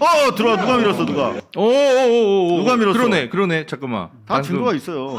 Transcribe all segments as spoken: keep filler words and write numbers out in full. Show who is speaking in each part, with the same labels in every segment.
Speaker 1: 어 들어와. 누가 밀었어 누가?
Speaker 2: 오오오오
Speaker 1: 누가 밀었어?
Speaker 2: 그러네 그러네 잠깐만.
Speaker 1: 다
Speaker 2: 방금-
Speaker 1: 증거가 있어요.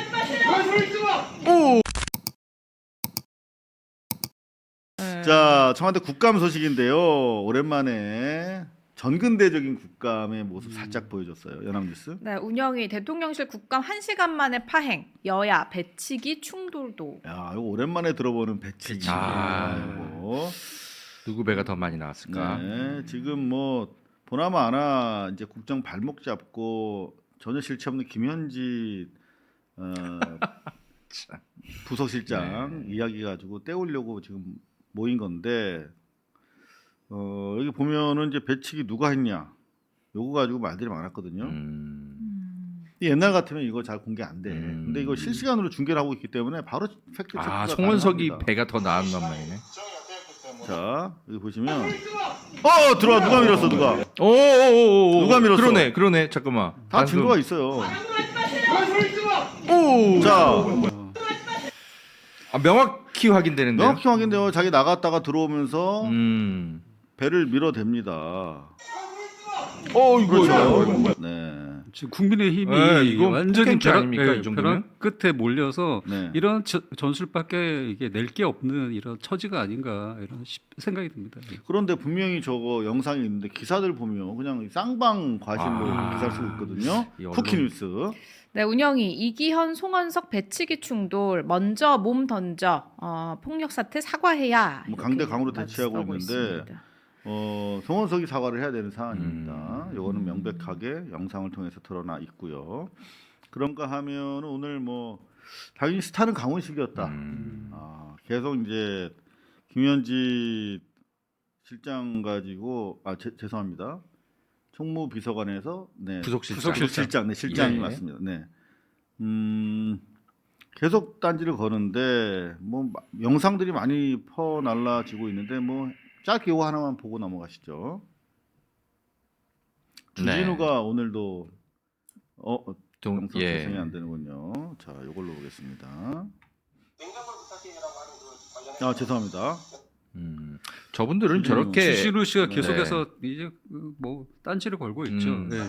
Speaker 3: 네.
Speaker 1: 자, 청와대 국감 소식인데요. 오랜만에 전근대적인 국감의 모습 살짝 보여줬어요. 연합뉴스.
Speaker 3: 네, 운영위 대통령실 국감 한 시간 만에 파행, 여야 배치기 충돌도.
Speaker 1: 야, 이거 오랜만에 들어보는 배치기.
Speaker 2: 아.
Speaker 1: 이거.
Speaker 2: 누구 배가 더 많이 나왔을까?
Speaker 1: 네, 지금 뭐 보나마 아나 이제 국정 발목 잡고 전혀 실체 없는 김현지 어,
Speaker 2: 참.
Speaker 1: 부서실장 이야기 가지고 떼우려고 지금 모인 건데 어, 여기 보면은 이제 배치기 누가 했냐 요거 가지고 말들이 많았거든요.
Speaker 2: 음.
Speaker 3: 음.
Speaker 1: 옛날 같으면 이거 잘 공개 안 돼.
Speaker 2: 음.
Speaker 1: 근데 이거 실시간으로 중계를 하고 있기 때문에 바로 팩트 체크가
Speaker 2: 아 송원석이
Speaker 1: 가능합니다.
Speaker 2: 배가 더 나은 것만이네.
Speaker 1: 자 여기 보시면 어 들어와. 누가 밀었어 누가?
Speaker 2: 오오오오
Speaker 1: 누가 밀었어?
Speaker 2: 그러네 그러네 잠깐만.
Speaker 1: 다
Speaker 2: 방금-
Speaker 1: 증거가 있어요.
Speaker 2: 오.
Speaker 1: 자
Speaker 2: 아, 명확히 확인되는데요.
Speaker 1: 명확히 확인돼요. 자기 나갔다가 들어오면서
Speaker 2: 음.
Speaker 1: 배를 밀어댑니다.
Speaker 2: 어 이거
Speaker 1: 그렇죠.
Speaker 2: 이거.
Speaker 1: 네.
Speaker 4: 지금 국민의힘이
Speaker 2: 네, 이거
Speaker 4: 완전히
Speaker 2: 폭행죄
Speaker 4: 벼락,
Speaker 2: 아닙니까,
Speaker 4: 예,
Speaker 2: 이 정도면?
Speaker 4: 벼락 끝에 몰려서
Speaker 1: 네.
Speaker 4: 이런 저- 전술밖에 이게 낼 게 없는 이런 처지가 아닌가 이런 시- 생각이 듭니다.
Speaker 1: 그런데 분명히 저거 영상이 있는데 기사들 보면 그냥 쌍방 과실로
Speaker 2: 아.
Speaker 1: 기사를 쓰고 있거든요.
Speaker 2: 이 언론-
Speaker 1: 쿠키뉴스.
Speaker 3: 네, 운영위 이기현, 송원석 배치기 충돌, 먼저 몸 던져 어, 폭력 사태 사과해야.
Speaker 1: 뭐
Speaker 3: 이렇게
Speaker 1: 강대 강으로 대치하고
Speaker 3: 맞서고
Speaker 1: 있는데
Speaker 3: 있습니다.
Speaker 1: 어, 송원석이 사과를 해야 되는 사안입니다.
Speaker 2: 음.
Speaker 1: 요거는 명백하게 영상을 통해서 드러나 있고요. 그런가 하면 오늘 뭐 당연히 스타는 강훈식이었다.
Speaker 2: 음.
Speaker 1: 아, 계속 이제 김현지 실장 가지고 아 제, 죄송합니다. 총무비서관에서 네
Speaker 2: 부속실장.
Speaker 1: 부속실장 네 실장이
Speaker 2: 예.
Speaker 1: 맞습니다. 네. 음 계속 딴지를 거는데 뭐 마- 영상들이 많이 퍼 날라지고 있는데 뭐 짧게 이거 하나만 보고 넘어가시죠. 주진우가
Speaker 2: 네.
Speaker 1: 오늘도 어 어,
Speaker 2: 동,
Speaker 1: 영상
Speaker 2: 예.
Speaker 1: 재생이 안 되는군요. 자, 이걸로 보겠습니다. 아, 죄송합니다.
Speaker 2: 음. 저분들은
Speaker 1: 주진우-
Speaker 2: 저렇게
Speaker 4: 주신우 씨가
Speaker 1: 네.
Speaker 4: 계속해서 이제 그뭐 딴지를 걸고 있죠.
Speaker 2: 음.
Speaker 4: 네.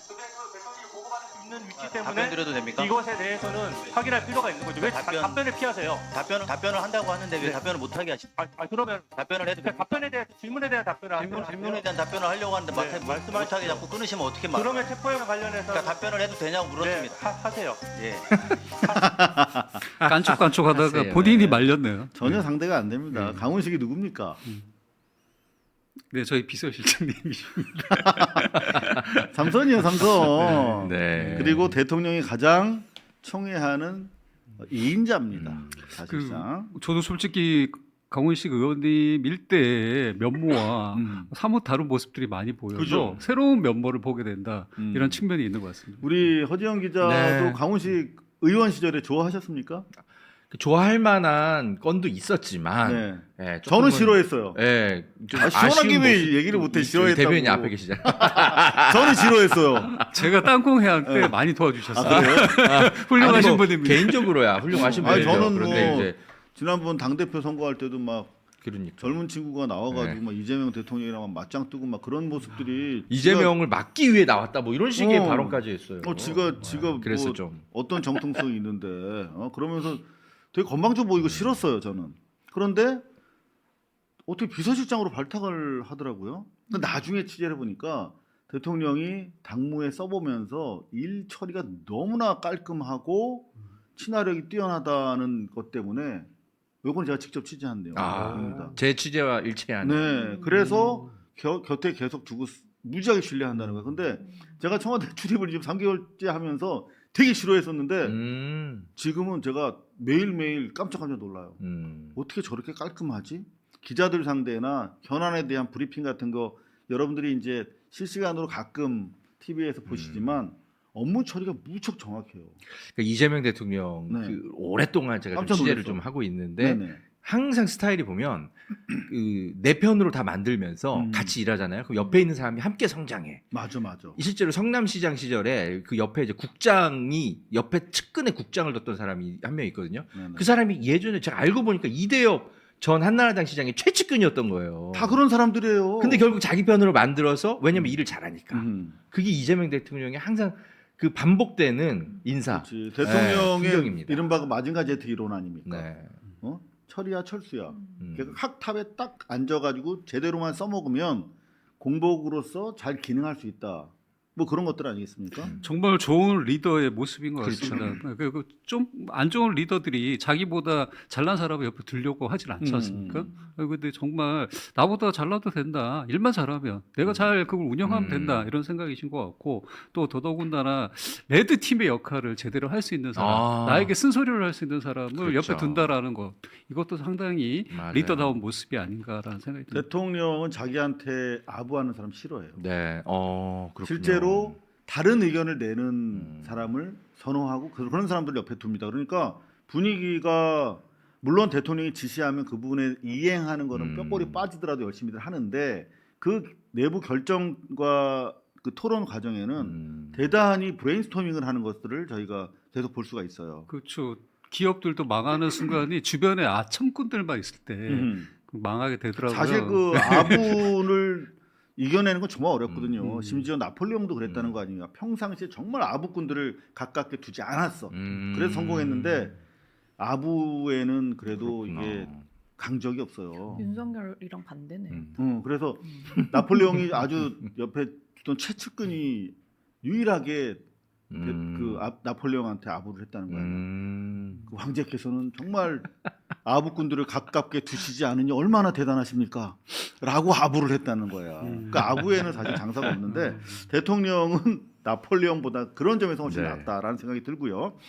Speaker 5: 있는 위치
Speaker 6: 아,
Speaker 5: 때문에
Speaker 6: 답변 드려도 됩니까?
Speaker 5: 이것에 대해서는 확인할 필요가 있는 거죠. 왜 다-
Speaker 6: 답변-
Speaker 5: 답변을 피하세요?
Speaker 6: 답변을 답변을 한다고 하는데 왜
Speaker 5: 네.
Speaker 6: 답변을 못 하게 하시?
Speaker 5: 아, 아, 그러면
Speaker 6: 답변을 해도
Speaker 5: 그
Speaker 6: 됩니까?
Speaker 5: 답변에 대해 질문에 대한 답변을
Speaker 6: 질문,
Speaker 5: 하세요.
Speaker 6: 질문에 대한 답변을 하려고 하는데
Speaker 5: 네,
Speaker 6: 못-
Speaker 5: 말씀하십시오.
Speaker 6: 못하게 자꾸 끊으시면 어떻게 말?
Speaker 5: 그러면 체포영화 관련해서
Speaker 6: 그러니까 답변을 해도 되냐고
Speaker 5: 네,
Speaker 6: 물었습니다.
Speaker 5: 하, 하세요.
Speaker 6: 예.
Speaker 4: 깐족깐족하다가
Speaker 2: 하세요.
Speaker 4: 본인이
Speaker 2: 네.
Speaker 4: 말렸네요.
Speaker 1: 전혀 상대가 안 됩니다. 강훈식이 누굽니까?
Speaker 4: 네, 저희 비서실장님이
Speaker 1: 삼선이요, 삼선.
Speaker 2: 네.
Speaker 1: 그리고 대통령이 가장 총애하는 이인자입니다.
Speaker 2: 음.
Speaker 1: 사실상.
Speaker 4: 저도 솔직히 강훈식 의원님 일대의 면모와
Speaker 1: 음.
Speaker 4: 사뭇 다른 모습들이 많이 보여서
Speaker 1: 그죠?
Speaker 4: 새로운 면모를 보게 된다
Speaker 1: 음.
Speaker 4: 이런 측면이 있는 것 같습니다.
Speaker 1: 우리 허지영 기자도
Speaker 2: 네.
Speaker 1: 강훈식 의원 시절에 좋아하셨습니까?
Speaker 2: 그 좋아할 만한 건도 있었지만
Speaker 1: 네.
Speaker 2: 예,
Speaker 1: 저는
Speaker 2: 조금은-
Speaker 1: 싫어했어요.
Speaker 2: 예, 좀
Speaker 1: 아, 시원하게
Speaker 2: 아쉬운
Speaker 1: 왜
Speaker 2: 모습-
Speaker 1: 얘기를 못해,
Speaker 2: 이-
Speaker 1: 싫어했다고.
Speaker 2: 대변인이 앞에 계시잖아요.
Speaker 1: 저는 싫어했어요.
Speaker 4: 제가 땅콩회한 때
Speaker 1: 네.
Speaker 4: 많이
Speaker 1: 아,
Speaker 4: 도와주셨어요.
Speaker 1: 그래요?
Speaker 4: 훌륭하신
Speaker 2: 아니, 뭐
Speaker 4: 분입니다.
Speaker 2: 개인적으로야 훌륭하신
Speaker 1: 아니,
Speaker 2: 분이죠.
Speaker 1: 저는
Speaker 2: 그런데
Speaker 1: 뭐
Speaker 2: 이제
Speaker 1: 지난번 당대표 선거할 때도 막
Speaker 2: 그러니까
Speaker 1: 젊은 친구가 나와가지고
Speaker 2: 네.
Speaker 1: 막 이재명 대통령이랑 막 맞짱 뜨고 막 그런 모습들이
Speaker 2: 이재명을 막기 위해 나왔다 뭐 이런 식의
Speaker 1: 어.
Speaker 2: 발언까지 했어요.
Speaker 1: 어, 지가 지가
Speaker 2: 그래서
Speaker 1: 뭐
Speaker 2: 좀
Speaker 1: 어떤 정통성이 있는데 어, 그러면서 되게 건방져 보이고 싫었어요 저는. 그런데 어떻게 비서실장으로 발탁을 하더라고요. 근데 나중에 취재를 해보니까 대통령이 당무에 써보면서 일 처리가 너무나 깔끔하고 친화력이 뛰어나다는 것 때문에 요건 제가 직접 취재한 내용입니다.
Speaker 2: 아, 제 취재와 일치하는.
Speaker 1: 네, 그래서 겨, 곁에 계속 두고 쓰- 무지하게 신뢰한다는 거예요. 근데 제가 청와대 출입을 지금 삼 개월째 하면서 되게 싫어했었는데
Speaker 2: 음,
Speaker 1: 지금은 제가 매일매일 깜짝깜짝 놀라요.
Speaker 2: 음.
Speaker 1: 어떻게 저렇게 깔끔하지? 기자들 상대나 현안에 대한 브리핑 같은 거 여러분들이 이제 실시간으로 가끔 티비에서 보시지만 업무 처리가 무척 정확해요.
Speaker 2: 그러니까 이재명 대통령
Speaker 1: 네.
Speaker 2: 그 오랫동안 제가 좀
Speaker 1: 깜짝
Speaker 2: 취재를
Speaker 1: 놀랐어.
Speaker 2: 좀 하고 있는데
Speaker 1: 네네.
Speaker 2: 항상 스타일이 보면 그 내 편으로 다 만들면서
Speaker 1: 음.
Speaker 2: 같이 일하잖아요. 그럼 옆에 있는 사람이 함께 성장해.
Speaker 1: 맞아 맞아.
Speaker 2: 실제로 성남시장 시절에 그 옆에 이제 국장이 옆에 측근에 국장을 뒀던 사람이 한 명 있거든요.
Speaker 1: 네네.
Speaker 2: 그 사람이 예전에 제가 알고 보니까 이대엽 전 한나라당 시장의 최측근이었던 거예요.
Speaker 1: 다 그런 사람들이에요.
Speaker 2: 근데 결국 자기 편으로 만들어서 왜냐면 일을 잘하니까.
Speaker 1: 음.
Speaker 2: 그게 이재명 대통령의 항상 그 반복되는 인사.
Speaker 1: 그렇지.
Speaker 2: 네,
Speaker 1: 대통령의
Speaker 2: 풍경입니다.
Speaker 1: 이른바 마징가 제트 이론 아닙니까?
Speaker 2: 네.
Speaker 1: 어? 철이야 철수야.
Speaker 2: 음.
Speaker 1: 그러니까 학탑에 딱 앉아가지고 제대로만 써먹으면 공복으로서 잘 기능할 수 있다. 뭐 그런 것들 아니겠습니까?
Speaker 4: 정말 좋은 리더의 모습인 것
Speaker 2: 그렇죠.
Speaker 4: 같습니다. 그리고 좀 안 좋은 리더들이 자기보다 잘난 사람을 옆에 두려고 하진 않지
Speaker 1: 음.
Speaker 4: 않습니까? 근데 정말 나보다 잘나도 된다. 일만 잘하면 내가 잘 그걸 운영하면
Speaker 2: 음.
Speaker 4: 된다. 이런 생각이신 것 같고 또 더더군다나 레드 팀의 역할을 제대로 할 수 있는 사람,
Speaker 2: 아.
Speaker 4: 나에게 쓴소리를 할 수 있는 사람을
Speaker 2: 그렇죠.
Speaker 4: 옆에 둔다라는 것, 이것도 상당히
Speaker 2: 맞아요.
Speaker 4: 리더다운 모습이 아닌가라는 생각이 듭니다.
Speaker 1: 대통령은 자기한테 아부하는 사람 싫어해요.
Speaker 2: 네. 어, 그렇군요.
Speaker 1: 실제로 다른 의견을 내는
Speaker 2: 음.
Speaker 1: 사람을 선호하고 그- 그런 사람들 옆에 둡니다. 그러니까 분위기가 물론 대통령이 지시하면 그 부분에 이행하는 거는
Speaker 2: 음.
Speaker 1: 뼈골이 빠지더라도 열심히들 하는데 그 내부 결정과 그 토론 과정에는
Speaker 2: 음.
Speaker 1: 대단히 브레인스토밍을 하는 것들을 저희가 계속 볼 수가 있어요.
Speaker 4: 그렇죠. 기업들도 망하는 순간이 주변에 아첨꾼들만 있을 때
Speaker 1: 음.
Speaker 4: 망하게 되더라고요.
Speaker 1: 사실 그 아부를 이겨내는 건 정말 어렵거든요.
Speaker 4: 음.
Speaker 1: 심지어 나폴레옹도 그랬다는
Speaker 2: 음.
Speaker 1: 거 아닙니까? 평상시에 정말 아부꾼들을 가깝게 두지 않았어.
Speaker 2: 음.
Speaker 1: 그래서 성공했는데 아부에는 그래도
Speaker 2: 그렇구나.
Speaker 1: 이게 강적이 없어요.
Speaker 3: 윤석열이랑 반대네.
Speaker 2: 음.
Speaker 1: 음, 그래서
Speaker 3: 음.
Speaker 1: 나폴레옹이 아주 옆에 두던 최측근이 유일하게
Speaker 2: 음.
Speaker 1: 그 아, 나폴레옹한테 아부를 했다는 거예요.
Speaker 2: 음.
Speaker 1: 그 황제께서는 정말 아부꾼들을 가깝게 두시지 않으니 얼마나 대단하십니까? 라고 아부를 했다는 거야.
Speaker 4: 음.
Speaker 1: 그러니까 아부에는 사실 장사가 없는데 대통령은 나폴레옹보다 그런 점에서 훨씬
Speaker 2: 네.
Speaker 1: 낫다라는 생각이 들고요.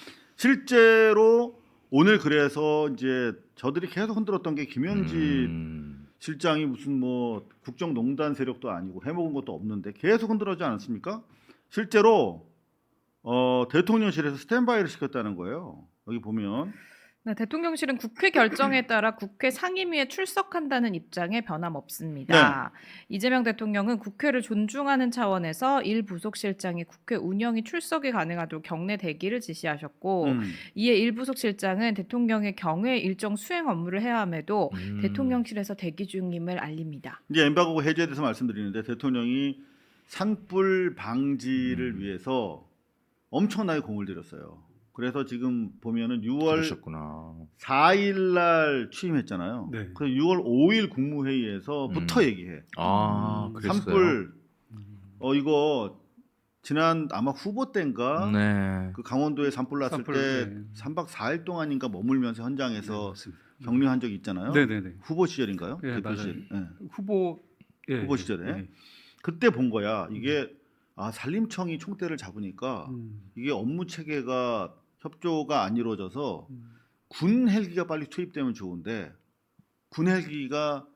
Speaker 1: 실제로 오늘 그래서 이제 저들이 계속 흔들었던 게 김현지
Speaker 2: 음.
Speaker 1: 실장이 무슨 뭐 국정농단 세력도 아니고 해먹은 것도 없는데 계속 흔들어지 않았습니까? 실제로 어, 대통령실에서 스탠바이를 시켰다는 거예요. 여기 보면
Speaker 3: 네, 대통령실은 국회 결정에 따라 국회 상임위에 출석한다는 입장에 변함없습니다. 이재명 대통령은 국회를 존중하는 차원에서 일 부속실장이 국회 운영이 출석이 가능하도록 경내 대기를 지시하셨고
Speaker 1: 음,
Speaker 3: 이에 일 부속실장은 대통령의 경외 일정 수행 업무를 해야 함에도
Speaker 2: 음.
Speaker 3: 대통령실에서 대기 중임을 알립니다.
Speaker 1: 이제 엠바고 해제에 대해서 말씀드리는데 대통령이 산불 방지를
Speaker 2: 음.
Speaker 1: 위해서 엄청나게 공을 들였어요. 그래서 지금 보면은 유월
Speaker 2: 그러셨구나.
Speaker 1: 사일 날 취임했잖아요.
Speaker 4: 네.
Speaker 1: 그래서 유월 오일 국무회의에서부터
Speaker 2: 음.
Speaker 1: 얘기해.
Speaker 2: 아,
Speaker 4: 음,
Speaker 2: 그랬어요.
Speaker 1: 산불 어 이거 지난 아마 후보 때인가
Speaker 2: 네.
Speaker 1: 그 강원도에 산불 났을
Speaker 4: 산불,
Speaker 1: 때
Speaker 4: 네.
Speaker 1: 삼 박 사 일 동안인가 머물면서 현장에서
Speaker 4: 맞습니다.
Speaker 1: 격려한 적이 있잖아요.
Speaker 4: 네네네.
Speaker 1: 후보 시절인가요?
Speaker 4: 예,
Speaker 1: 대표
Speaker 4: 맞아요.
Speaker 1: 시절. 예.
Speaker 4: 후보 예,
Speaker 1: 후보 시절에?
Speaker 4: 예.
Speaker 1: 그때 본 거야. 이게 아 산림청이 총대를 잡으니까
Speaker 4: 음,
Speaker 1: 이게 업무 체계가 협조가 안 이루어져서
Speaker 4: 음.
Speaker 1: 군 헬기가 빨리 투입되면 좋은데 군 헬기가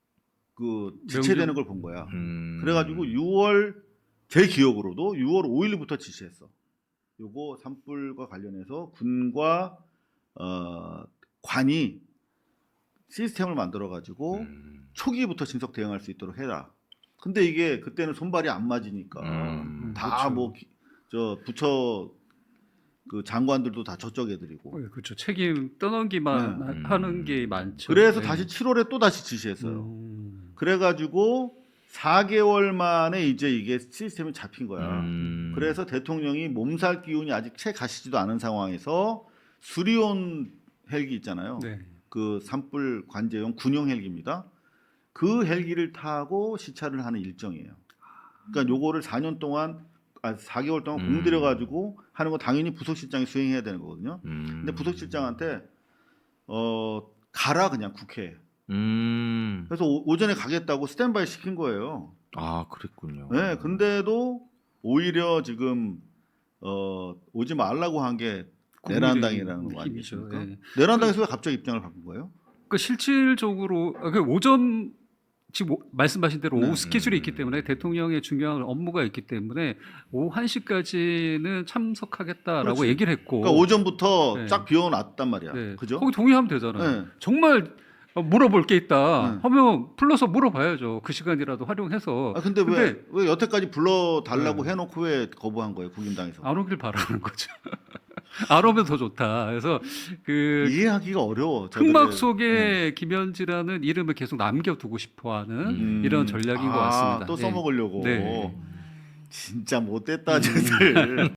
Speaker 1: 그 지체되는 걸 본 거야.
Speaker 2: 음.
Speaker 1: 그래가지고 유월 제 기억으로도 유월 오일부터 지시했어. 요거 산불과 관련해서 군과 어, 관이 시스템을 만들어 가지고
Speaker 2: 음.
Speaker 1: 초기부터 진석 대응할 수 있도록 해라. 근데 이게 그때는 손발이 안 맞으니까
Speaker 2: 음.
Speaker 1: 다
Speaker 4: 그렇죠.
Speaker 1: 뭐 저 부처 그 장관들도 다 저쪽 애들이고.
Speaker 4: 어, 그렇죠. 책임 떠넘기만
Speaker 2: 네.
Speaker 4: 하- 하는 게 많죠.
Speaker 1: 그래서
Speaker 4: 네.
Speaker 1: 다시 칠월에 또 다시 지시했어요.
Speaker 4: 음,
Speaker 1: 그래가지고 사 개월 만에 이제 이게 시스템이 잡힌 거야.
Speaker 2: 음.
Speaker 1: 그래서 대통령이 몸살 기운이 아직 채 가시지도 않은 상황에서 수리온 헬기 있잖아요.
Speaker 4: 네.
Speaker 1: 그 산불 관제용 군용 헬기입니다. 그 헬기를 타고 시찰을 하는 일정이에요. 그러니까 요거를 사 년 동안 아 사 개월 동안
Speaker 2: 음.
Speaker 1: 공들여 가지고 하는 거 당연히 부속실장이 수행해야 되는 거거든요.
Speaker 2: 음.
Speaker 1: 근데 부속실장한테 어 가라 그냥 국회에.
Speaker 2: 음.
Speaker 1: 그래서 오, 오전에 가겠다고 스탠바이 시킨 거예요.
Speaker 2: 아, 그랬군요.
Speaker 1: 네, 근데도 오히려 지금 어, 오지 말라고 한 게 내란당이라는 거
Speaker 4: 힘이죠.
Speaker 1: 아니겠습니까?
Speaker 4: 예.
Speaker 1: 내란당에서 왜 갑자기 입장을 바꾼 거예요?
Speaker 4: 그 실질적으로 아, 그 오전 지금 오- 말씀하신 대로
Speaker 1: 네.
Speaker 4: 오후 스케줄이
Speaker 2: 음.
Speaker 4: 있기 때문에 대통령의 중요한 업무가 있기 때문에 오후 한 시까지는 참석하겠다라고
Speaker 1: 그렇지.
Speaker 4: 얘기를 했고
Speaker 1: 그러니까 오전부터
Speaker 4: 네.
Speaker 1: 쫙 비워놨단 말이야.
Speaker 4: 네.
Speaker 1: 그죠?
Speaker 4: 거기 동의하면 되잖아요.
Speaker 1: 네.
Speaker 4: 정말 물어볼 게 있다
Speaker 1: 네.
Speaker 4: 하면 불러서 물어봐야죠. 그 시간이라도 활용해서
Speaker 1: 아 근데,
Speaker 4: 근데-
Speaker 1: 왜, 왜 여태까지 불러 달라고
Speaker 4: 네.
Speaker 1: 해놓고 왜 거부한 거예요, 국민당에서?
Speaker 4: 안 오길 바라는 거죠. 알아보면 더 좋다. 그래서 그
Speaker 1: 이해하기가 어려워.
Speaker 4: 흑막
Speaker 1: 저들의-
Speaker 4: 속에 김현지라는 이름을 계속 남겨두고 싶어하는
Speaker 1: 음.
Speaker 4: 이런 전략인 것
Speaker 1: 아,
Speaker 4: 같습니다.
Speaker 1: 또
Speaker 4: 예.
Speaker 1: 써먹으려고.
Speaker 4: 네.
Speaker 1: 진짜 못됐다 쟤들.